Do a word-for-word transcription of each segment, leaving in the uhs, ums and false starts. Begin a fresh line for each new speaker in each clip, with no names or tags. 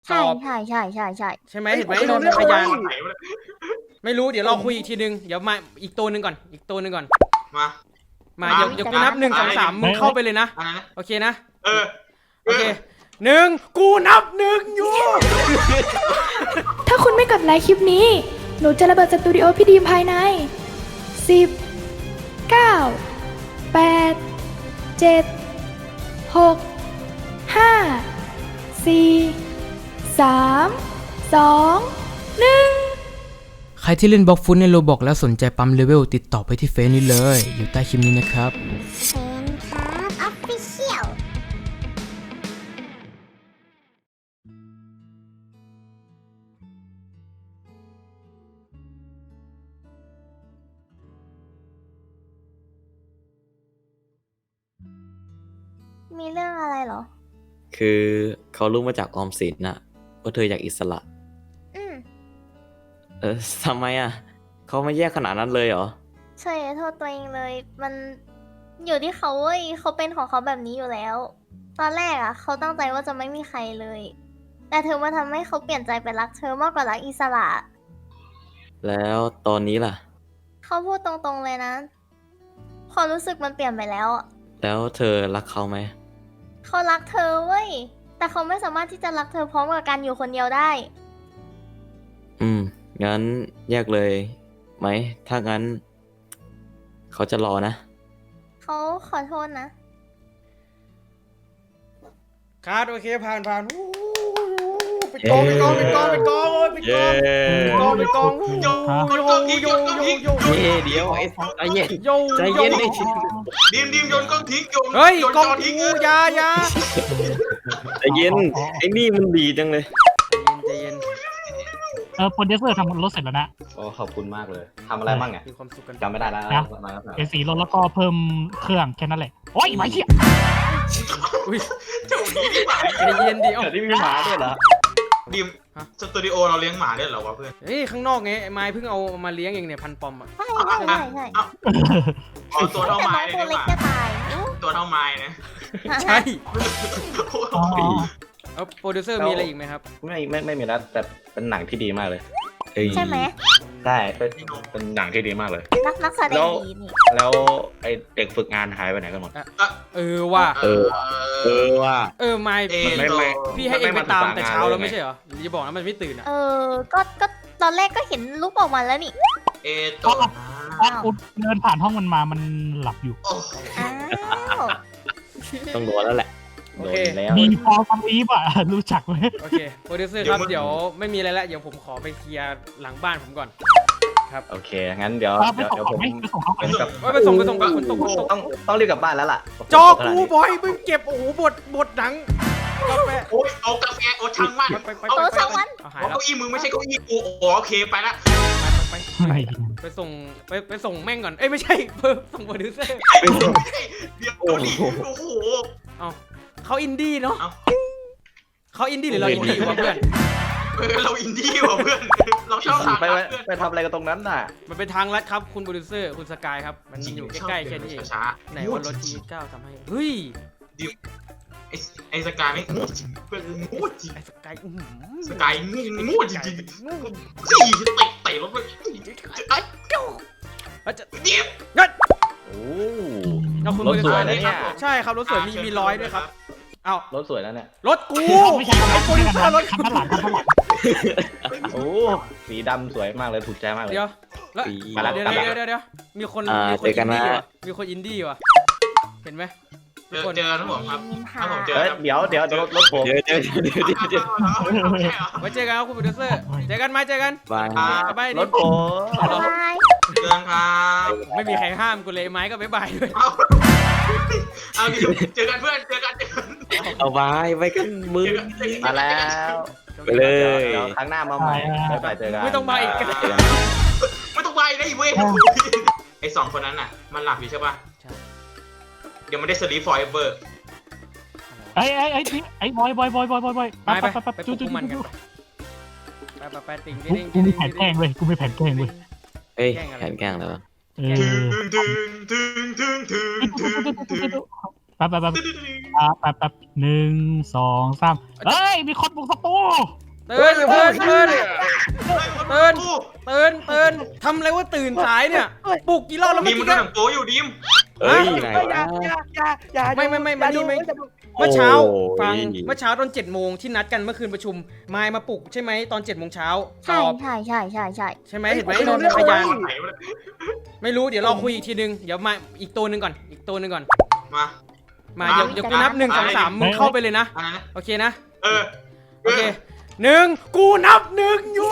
ใช่ใช่ใช่ใช่ใช่
ใช่ไหมเห็นไหมพยานไม่รู้เดี๋ยวเราคุยอีกทีนึงเดี๋ยวมาอีกตัวหนึ่งก่อนอีกตัวหนึ่งก่อน
มา
มาเดี๋ยวเดี๋ยวกูนับหนึ่งสองสามมึงเข้าไปเลยนะโอเคนะ
เออ
โอเคหนึ่งกูนับหนึ่งอยู่
ถ้าคุณไม่กดไลค์คลิปนี้หนูจะระเบิดสตูดิโอพี่ดีมภายในสิบ เก้า แปด เจ็ด หก ห้า สี่ สาม สอง หนึ่ง
ใครที่เล่นบล็อกฟุตในโรบอกแล้วสนใจปั๊มเลเวลติดต่อไปที่เฟซนี้เลยอยู่ใต้คลิปนี้นะครับ
เฟนครับออฟฟิเชียลมีเรื่องอะไรเหรอ
คือเขารู้มาจากออมสินน่ะว่าเธออยากอิสระ
อืม
เออทำไมอ่ะเขาไม่แยกขนาดนั้นเลยเหรอ
ใช่โทษตัวเองเลย มันอยู่ที่เขาเว้ยเขาเป็นของเขาแบบนี้อยู่แล้ว ตอนแรกอ่ะเขาตั้งใจว่าจะไม่มีใครเลย แต่เธอมาทำให้เขาเปลี่ยนใจไปรักเธอมากกว่ารักอิสระ
แล้วตอนนี้ล่ะ
เขาพูดตรงๆเลยนะความรู้สึกมันเปลี่ยนไปแล้วอะ
แล้วเธอรักเขาไหม
เขารักเธอเว้ย แต่เขาไม่สามารถที่จะรักเธอพร้อมกับการอยู่คนเดียวได้
อืมงั้นแยกเลยไหมถ้างั้นเขาจะรอนะ
เขาขอโทษนะ
คาร์ดโอเคผ่านผ่านไปกองไปกองไปกองไปกองไปกองไปกองไปกองโยโยโยโยโย
เย่เดี๋ยวไอ้ใจเย็น
โย
ใจเย็นดิ
ดิมดิมโยนกล้องทิ้งโยน
เฮ้ยกอง
ทิ้ง
กูยายา
ใจเย็นไอ้นี่มันดีจังเลย
ใจเย็น
เออโปรดิวเซอร์ทำรถเสร็จแล้วนะ
โอ้ขอบคุณมากเลยทำอะไรบ้างเนี่ย
มีความสุขกัน
จำไม่ได้แล้ว
นะเอสีรถแล้วก็เพิ่มเครื่องแค่นั้นแหละโอ้ยไม่เชี่ย
อุ้ย
เจ้าดีที่หมา
ใจเย็นดิเอ้า
เดี๋ยวนี้มีหมาด้วยเหรอ
ดิมสตูดิโอเราเลี้ยงหมาด้วยเหรอวะเพื่อน
เฮ้ยข้างนอกไงไม้เพิ่งเอามาเลี้ยงเองเนี่ยพันปอมอ่ะ
ใช่ใช่ใช่ใช่
อ๋อตัวเท่าไม้เลย
ตัว
นี่
เล็
ห
ก
ว่า
จะตาย
ตัวเท่าไม้นะ
ใช่
อ๋อ
เอาโปรดิวเซอร์มีอะไรอีกไหมครับ
ไม่ไม่ไม่มีแล้วแต่เป็นหนังที่ดีมากเลย
ใช่ไหม
ใช่เป็นเป็นหนังที่ดีมากเลย
นักนักแสดงดีนี่
แล้วไอเด็กฝึกงานหายไปไหนกันหมด
เออว่า
เออเออว่า
เออไม่
ไม่ไม่
พี่ให้เองไปตามแต่เช้าแล้วไม่ใช่เหรออย่าบอกนะมันไม่ตื่นอ่ะ
เออก็ก็ตอนแรกก็เห็นรูปออกมาแล้วนี่
เอตัว
พอกูเดินผ่านห้องมันมามันหลับอยู่
อ้าว
ต้องโดนแล้วแหละ
โอเค
แล้ว
มีพอฟังอีฟอ่ะรู้จักไหม
โอเคโปรดิวเซอร์ครับเดี๋ยวไม่มีอะไรแล้วเดี๋ยวผมขอไปเคลียร์หลังบ้านผมก่อนครับ
โอเคงั้นเดี๋ยวเดี๋ยวเดี๋ยวผม
ไปส่งเขาไปส่ง
ไปส่งไปส่งไปคนตกคนตก
ต้องต้องรีบกลับบ้านแล้วล่ะ
จอกูบอยมึงเก็บโอ้โหบทบทหนังกาแฟ
โอ้ยเอากาแฟโอ้ช่างมัน
โอ้ช่างมัน
เอาหายแล้ว
เก้าอี้มึงไม่ใช่เก้าอี้กูโอเคไปละ
ไปไปส่งไปไปส่งแม่งก่อนเอ้ยไม่ใช่เพิ่มส่งโปรดิวเซอร์
เดี๋ยวดิโอ้โห
เอาเขาอินดี้เนาะเขาอินดี้หรือเราอินดี้วะเพื่อน
เราอินดี้ว่ะเพื่อนเราชอบทาง
ไปไปทำอะไรกันตรงนั้นน่ะ
มันเป็นทางลัดครับคุณโปรดิวเซอร์คุณสกายครับมันอยู่ใกล้ๆแค่นี้เองไหนวันรถทีเก้าทำให้เฮ้ย
ดิวไอไอสกายไม่งูจริงเพื่อนงูจริง
ไอสกาย
สกายงูงูจริงจริงสี่เตะเตะรถไปไอ้เจ้า
จะ
เดี๋ยว
งั้น
โอ้
เราคุณโปรดิวเซอร์เนี่ยใช่ครับรถสวยมีมีร้อยด้วยครับเอา
รถสวยแล้วเนี่ย
รถกู
ไม่ใช่ไอ้โปรดิวเซอร์รถคันหลังคันหลัง
โอ้สีดำสวยมากเลยถูกใจมากเลย
เดี๋ยวแล้วเดี๋ยวเดี๋ยวเดี๋ยวเดี๋ยวมีคนมีคนอินดี้ว่ะมีคนอินดี้ว่ะเห็นไหม
เจอเจอนะผมครับถ้าผมเจอ
เดี๋ยวเดี๋ยวรถรถผม
เดี๋ยวเดี๋ยวเดี๋ยวเดี๋ยวเดี๋ยว
ไว้เจอกันครับคุณโปรดิวเซอร์เจอกันไหมเจอกัน
บาย
บาย
รถผม
เจอครับ
ไม่มีใครห้ามกูเลยไม้ก็บายบายด้วย
เอาดิเจอกันเพื่อนเจอกันเจอกัน
เอาบายไปกันมึง
มาแล้ว
ไปเลย
เดี๋ยวครั้งหน้ามาใหม่ไปไปเจอกัน
ไม่ต้องมาอีก
ไม่ต้องไปได้เว้ยไอสองคนนั้นน่ะมันหลับอยู่ใช่ป่ะเดี๋ยวมันได้สลีปฟอร์เอเวอร์
ไอ้ไอ้ไอ้ไอ้บอยบอยบอยบอยบอยบอย
ไปไปไปไปจุ๊จุ๊มันกันไปไปไปติ่งติ่ง
กูมีแผนแกล้งเว้ยกูมีแผนแกล้งเว้ย
เฮ้ยแผนแกล้งแล้ว
ถึงถึงถึงถึงถึงถึงถึง
ไปไปไปอ่าแป๊บแป๊บหนึ่งสองสามเฮ้ย มีคนบุกสตู
ตื่นตื่นตื่น
เฮ้ย
ตื่น ตื่นตื่นทำอะไรว่าตื่นสายเนี่ยปลุกกี่รอบแล้ว
ดิ
เมื่อ
มมัน
กี้
ดูหนังโป๊อยู่ดิม
เอ้ยไหน
อย่าว
ะ
อย่าอย่าอย่า
ไม่ไม่ไม่มานี่ไม่
อย่าดู
เมื่อเช้า
โอ้ย
ฟังเมื่อเช้าตอนเจ็ดโมงที่นัดกันเมื่อคืนประชุมมายมาปลุกใช่ไหมตอนเจ็ดโมงเช้าต
ใช่
อบ
ใช่ใช่ใช่ใช่
ใช่ไหมเห็นไหม
ไม่รู้
นนท์พยาน
เรื่อง
ไหนวะ
ไม่รู้เดี๋ยวเราคุยอีกทีนึงเดี๋ยวมาอีกตัวหนึ่งก่อนอีกตัวหนึ่งก่อน
มา
มาเดี๋ยวเดี๋ยวกูนับหนึ่งสองสามมึงเข้าไปเลยนะ
อะไรนะ
โอเคนะ
เออ
โอเคหนึ่งกูนับหนึ่งอยู่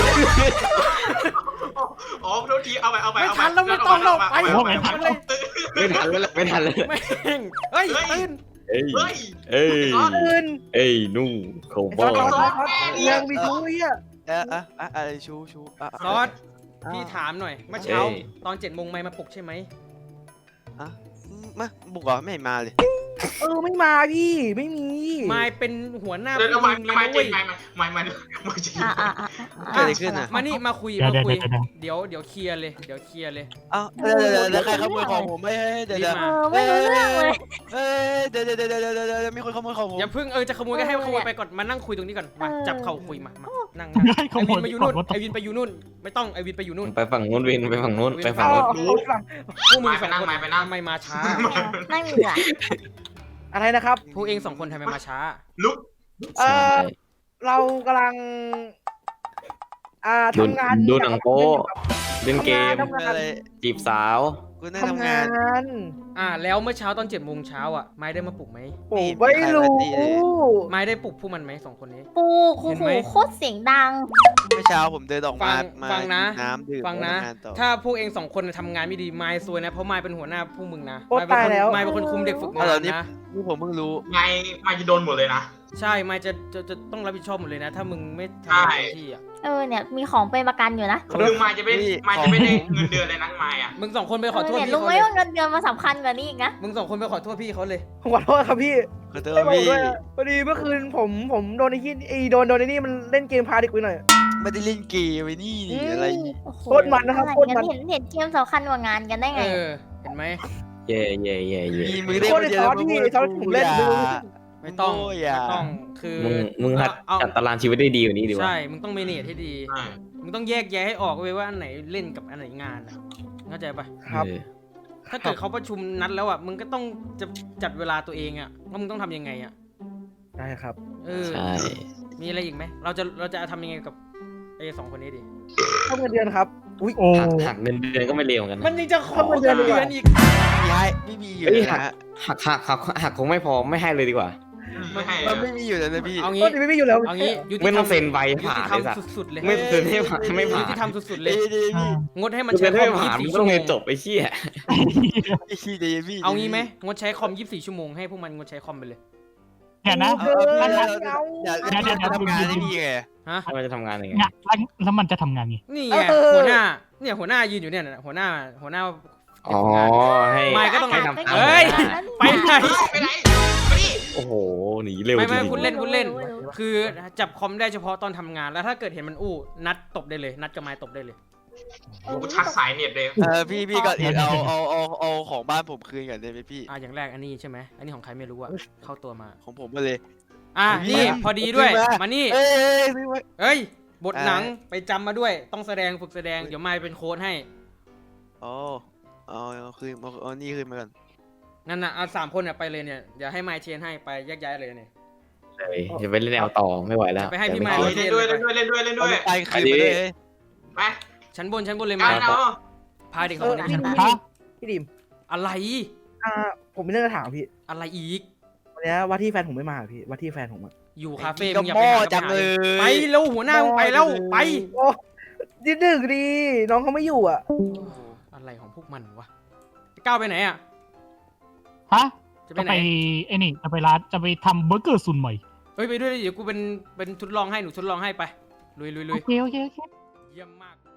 อ๋อโทษทีเอาไปเอาไป
ไม่ทันแล้วไม่ต้องแล้วไป
เอาไป
ไม่ทันเลย
ไม่ทันแล้วแหละไม่ทันแล้ว
แม่งเฮ้ยตื่น
เอ้ย
เฮ้ย
เอ้ย
ตื่น
เอ้ยนู่โคบอ
ไอ้
ล
ซอสซอสเรื่องมีชู้เนี่ย
เออเออเอออะไรชูชูอ่ะ
ซอสพี่ถามหน่อยเมื่อเช้าตอนเจ็ดโมงไม่มาปลุกใช่ไหม
อ่ะมาบุกเหรอไม่เห็นมาเลย
เออไม่มาพี่ไม่มี
มายเป็นหัวหน้า
เดี๋ยว
พวก
ไม่
มึงเลย
ไม่
นะ
เจ็
เว้
บ
ย
ไม่ไม่ไม่ไม่จริง
อ่าอ่าอ่า
เกิดอะไรขึ้นอ่ะ
มานี่มาคุย
เดี๋ยว
มา
เดี๋ยว
คุย
เดี๋ยว
เดี๋ยวเดี๋ยวเคลียร์เลยเดี๋ยวเคลียร์เลย
เอ้าเดี๋ยวเดี๋ยวเดี๋ยวใครขโมยของผมไม่เดี๋ยว
รี
เดี๋
บ
ยว
มา
เออไม่รู้เรื่องเลย
เอ้ยเดี๋ยวเดี๋ยวเดี๋ยวเดี๋ยวเดี๋ยวเดี๋ยวมีคนขโมยของผม
อย่าเพิ่งเออจะขโมยก็ให้
เออ
ขโมยไปก่อนมานั่งคุยตรงนี้ก่อนมา
เออ
จับเข่าคุยมามานั่ง
ให้
ไอ
ขโม
วิ
ย
นมาอยู่
ก่
นู่
อน
น
ว่า
ไอวินไปอยู่นู่นไม่ต้องไอวินไปอยู่นู่น
ไปฝั่งนู้นวินไปฝั่งนู้นไปฝั่ง
เอา
นู้น
เอาฟัง
พวกมึงสองคนทำไมมาช้า
นั่งเหงื่อ
อะไรนะครับ
พวกเองสองคนทำไมมาช้า
ลุก
เอ
ใช่
อเรากำลัง อ่า
ดู
ทำงาน
ดูหนังโป๊เล่นเกม
ทำงาน
อะไร
จีบสาว
กูนั่ง
ทำ
ทำ
งาง
าน
น
อ่าแล้วเมื่อเช้าตอนเจ็ดโมงเช้าอ่ะไม้ได้มาปลุกไหม
ผมไม่รู้
ไม้ได้ปลุกพวกมันไหมสองคนนี้
ปูคู
เห็น
หู
ไหม
โคตรเสียงดัง
เมื่อเช้าผมเดินออก
ฟั
มาง มา
ฟังนะ
น้ำดื่ม
ฟังนะ
แล้วทำงานต่อ
ถ้าพวกเองสองคนทำงานไม่ดีไม้ซวยนะเพราะไม้เป็นหัวหน้าพวกมึงนะ
โอ๊ย
ไม้เป็นคน
ตายแล้ว
ไม้เป็นคนคุมเด็กฝึกงา
เอาเหรอน นี่
นะ
นี่ผมเพิ่งรู้
ไงมาจะโดนหมดเลยนะ
ใช่ไม้จะจะจะต้องรับผิดชอบหมดเลยนะ ถ้ามึงไม่ทำ
ใช่
งานเต็มที่อ่ะ
เออเนี่ยมีของเป็นประกันอยู่นะ
คือมาจะไม่มาจะไม่ได้เงินเดือนเลยนะมาอ่ะ
มึงสองคนไปขอโทษ
เนี่ย
พี่
รู้
เขา
ไหม
เลย
ว่าเงินเดือนมันสำคัญกว่านี้อีกนะ
มึงสองคนไปขอโทษพี่เขาเลย
ผมขอโทษครับพี่
ขอโทษ
ไม่บอก
พี่
ด้วยพอดีเมื่อคืนผมผมโดนไอ้ที่ไอ้โดนโดนไอ้นี่มันเล่นเกมพาเด็กไปหน่อย
ไม่ได้เล่นเกมไอ้นี่นี่อะไร
โอ้โห
โคตรมันนะครับ
อไ
โคตรมัน
เห็นเห็นเกมสำคัญกว่างานกันได้ไง
เออเห็นไหม
เย่เย่เย่เย่
มีมือได้
โคตรไอ้ซอสพี่ไอ้ซอสผมเล่น
อย่า
ดู
ไม่ต้อง
โอ้ย
ไม่
อ่ะ
ต้องคือ
มึงมึงหัด
เอา
จัดตารางชีวิตได้ดีกว่านี้ดีวะ
ใช่มึงต้องเมเนจให้ดี
ใช่
มึงต้องแยกแยะให้ออกเว้ยว่าอันไหนเล่นกับอันไหนงานอะเข้าใจปะ
ครับ
เออ
ถ้าเกิดเขาประชุมนัดแล้วอ่ะ มึงก็ต้องจะจัดเวลาตัวเองอ่ะว่ามึงต้องทำยังไงอ่ะ
ได้ครับ
เออ
ใช่
มีอะไรอีกไหม เราจะเราจะทำยังไงกับไอ้สองคนนี้ดี
เข้าเงินเดือนครับ อุ้ย
โอ้
หักหักเงินเดือนก็ไม่เลวเหมือนกัน
มั
นะ
นยังจะขอ
ทำไมเดือน
เดื
เดียว
อนอีก
ไม่ให้ไม่มีอยู่
เอ้ย
นะ
หัก
ฮะ
หักหักหักหักคงไม่พอไม่ให้เลยดีกว่า
ไม่ให้
มันไม่มีอยู่แล้วนะพี่
เอา
ก็
งี้
ไม่ไม่อยู่แล้ว
เอางี้ยุติธร
ไม่
ร
ต้อ
ม
งเซ็นใบ
ยุ
ผ่า
ติ
น
ธรร
เล
ม
ยสัตว์
สุดๆเลย
ไม่เซ็นให้ผ่านไม่ผ่า
ยุ
น
ติธรรมสุดๆเลย
เอ้ยเดี๋ยวพี่
งดให้มัน
เซ็
ใช้
น
คอ
ให้
ม
ผ่าน
ยี่
มึ
สิ
ง
บ
ต้
สี่
อง
ชั่วโมง
เรียนจบไอ้เชี่ย
ไอ้ขี้เดี๋ยวพี่
เอางี้ไหมงดใช้คอมยี่สิบสี่ชั่วโมงให้พวกมันงดใช้คอมไปเลย
เนี่ยนะ
เออพี่
เอ
เรา
อ
เราอยาก
เดี๋ยวเดี๋ยวเดี๋ยว
ทำงานได้พี่ไง
ฮะ
ให้มันจะทำงานยังไง
เนี่ยแล้วแล้วมันจะทำงานไง
นี่ไงหัวหน้า เนี่ยหัวหน้ายืนอยู่เนี่ยนะหัวหน้าหัวหน้า
อ๋อให้
ไม่ก็ต้อง
ให้
ให้
ทำ
เฮ้ย ไปไหน
ไปไหนไปดิ
โอ้โหหนีเร็ว
ไม่
จ
ไม่
ริง
คุณเล่นคุณเล่น
รู้รู้รู้
คือจับคอมได้เฉพาะตอนทำงานแล้วถ้าเกิดเห็นมันอู้นัดตบได้เลย นัดกับไม้ตบได้เลย
กูชักสายเน็ตเลย
เออพี่พี่ก่อนอื่นเอาเอาเอาเอาของบ้านผมคืนก่อนได้ไหมพี่
อ่ะอย่างแรกอันนี้ใช่ไหมอันนี้ของใครไม่รู้อะเข้าตัวมา
ของผมมาเลย
อ่ะ
พี่
นี่
มา
พอดีด้วย
พี่มา
มานี่
เอ้ยเอ้ยพี่มา
เอ้ย บท
อ่า
หนังไปจำมาด้วยต้องแสดงฝึกแสดงเดี๋ยวไม้เป็นโค้ดให้
อ๋อเอาเอาคืนเอาเอานี่คืนมาก่อน
นั่นน่ะเอาสามคนเนี่ยไปเลยเนี่ยเดี๋ยวให้ไม้เชนให้ไปแยกย้ายเลยเนี่ย
ๆเลยจะไปเล่นแนวต่อไม่ไหวแล้ว
ไปให้พี่
แต่
มา
ไม่
เล
คิด
เล่นด้วยเล่นด้วยเล่นด้วยเล่นด้วย
เอาไปคืนมาเลย
ไป
ชั้นบนชั้นบนเลย
กั
มาน
เอา
พาเด็กสองคนนี้
เออ
ชั้นบน
ฮะ
พี่ดิม
อะไร
อ่า ผมมีเรื่องจะถามพี่
อะไรอีก
วันนี้ว่าที่แฟนผมไม่มาพี่ว่าที่แฟนผมอะ
อยู่คาเฟ่
ก็
มึงอย่า
ห
ไป
ม้อ
หา
จังเลย
ไปแล้วหัวหน้ามึงไปแล้วไป
โอ้นิดหนึ่งดี น้องเขาไม่อยู่อ่ะ
อะไรของพวกมันวะก้าวไปไหนอ่ะ
ฮะ
จะไป
จะ
ไหน
ไปไอ้นี่จะไปร้านจะไปทำเบอร์เกอร์ซุนใหม่
เฮ้ยไปด้วยดิเดี๋ยวกูเป็นเป็นทดลองให้หนูทดลองให้ไปลุยลุยลุ
โอย เคโอเคโอเค
เยี่ยมมาก